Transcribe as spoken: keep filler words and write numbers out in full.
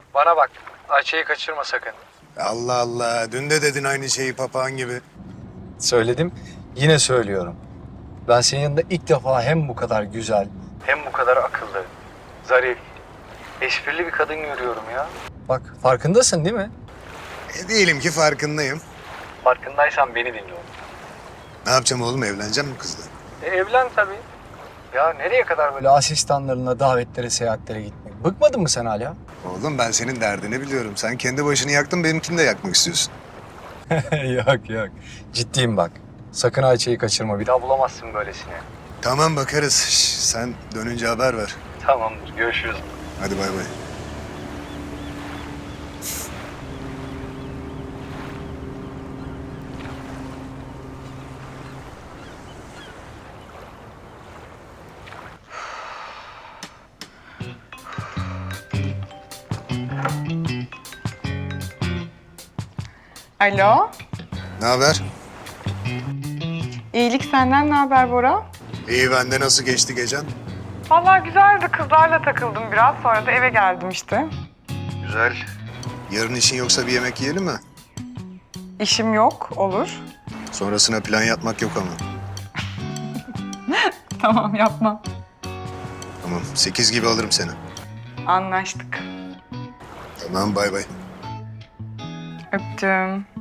Bana bak, Ayça'yı kaçırma sakın. Allah Allah. Dün de dedin aynı şeyi papağan gibi. Söyledim, yine söylüyorum. Ben senin yanında ilk defa hem bu kadar güzel, hem bu kadar akıllı, zarif, esprili bir kadın görüyorum ya. Bak, farkındasın değil mi? E diyelim ki farkındayım. Farkındaysan beni dinle oğlum. Ne yapacağım oğlum? Evleneceğim mi kızla? E, evlen tabii. Ya nereye kadar böyle asistanlarına, davetlere, seyahatlere gitmek? Bıkmadın mı sen hala? Oğlum ben senin derdini biliyorum. Sen kendi başını yaktın, benimkini de yakmak istiyorsun. Yok yok. Ciddiyim bak. Sakın Ayça'yı kaçırma. Bir daha bulamazsın böylesini. Tamam bakarız. Şş, sen dönünce haber ver. Tamamdır. Görüşürüz. Hadi bay bay. Alo. Ne haber? İyilik senden ne haber Bora? İyi, bende nasıl geçti gecen? Vallahi güzeldi. Kızlarla takıldım biraz. Sonra da eve geldim işte. Güzel. Yarın işin yoksa bir yemek yiyelim mi? İşim yok. Olur. Sonrasına plan yapmak yok ama. Tamam yapmam. Tamam, sekiz gibi alırım seni. Anlaştık. Tamam, bay bay. Öptüm.